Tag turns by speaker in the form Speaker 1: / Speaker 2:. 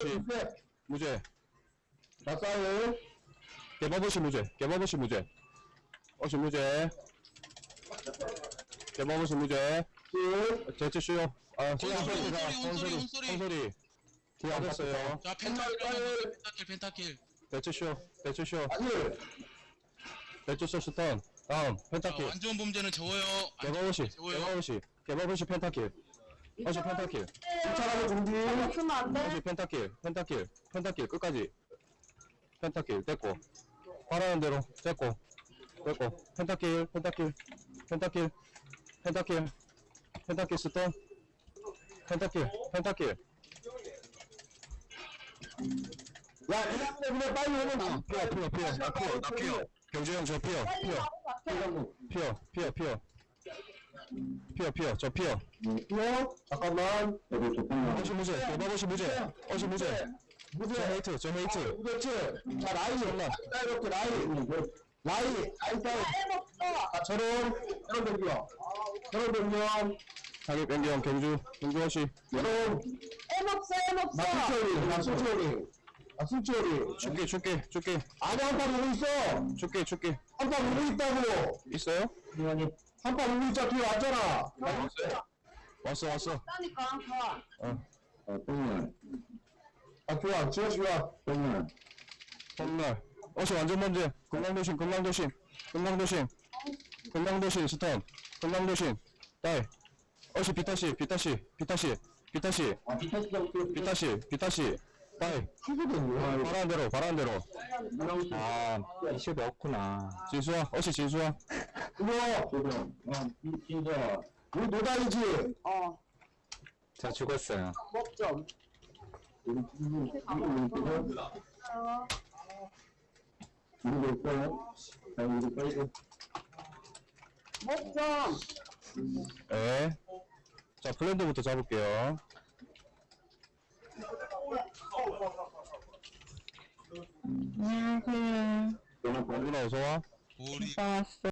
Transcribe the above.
Speaker 1: 무죄.
Speaker 2: 나싸요.
Speaker 1: 개바버시 무죄. 개바버시 무죄. 어시 무죄. 개바버시 무죄. 제트 쇼. 아, 혼소리. 뒤에 앉았어요.
Speaker 3: 자, 펜타킬.
Speaker 1: 대추쇼.
Speaker 2: 아니.
Speaker 1: 대추쇼 스턴. 다음,
Speaker 3: 자,
Speaker 1: 펜타킬.
Speaker 3: 완전 범죄는 저어요.
Speaker 1: 개바버시 펜타킬. 어시 펜타킬.
Speaker 2: 쫓아가는 준비.
Speaker 4: 쓰면 안 돼?
Speaker 1: 어시 펜타킬. 끝까지. 펜타킬. 됐고. 바라는 대로. 됐고. 펜타킬 스턴. 펜타킬.
Speaker 2: 야, 그냥 빨리 오면
Speaker 1: 피어. 경주형 저 피어. 저 피어.
Speaker 2: 잠깐만.
Speaker 1: 어시 무죄. 개바버시 무죄. 어시 무죄. 저 헤이트.
Speaker 2: 그렇지. 자, 라인. 이렇게 라인 싸움. 자, 저런 변경.
Speaker 1: 자기 변경 경주 어시.
Speaker 2: 저런. 나 숨초리.
Speaker 1: 줄게.
Speaker 2: 아니, 한판 오고 있어.
Speaker 1: 줄게.
Speaker 2: 한판 오고 있다고.
Speaker 1: 있어요?
Speaker 2: 한판 오고 있자. 뒤에 왔잖아.
Speaker 1: 왔어.
Speaker 4: 싸니까 가.
Speaker 2: 똥날. 좋아. 지워주라. 똥날.
Speaker 1: 홈날. 어시 완전 먼저. 금강도심 스턴. 금강도심. 다이. 어시 비타시. 비타시. 다이. 바라는 대로.
Speaker 2: 아, 이슈가 없구나.
Speaker 1: 진수아. 어시 진수아.
Speaker 2: 진짜. 우리 노다이지?
Speaker 5: 저 죽었어요.
Speaker 4: 먹 좀. 먹 좀.
Speaker 1: 예. 자, 블렌더부터 잡을게요.
Speaker 4: 안녕하세요.
Speaker 1: 누나 어서와.
Speaker 3: 우리
Speaker 4: 왔어.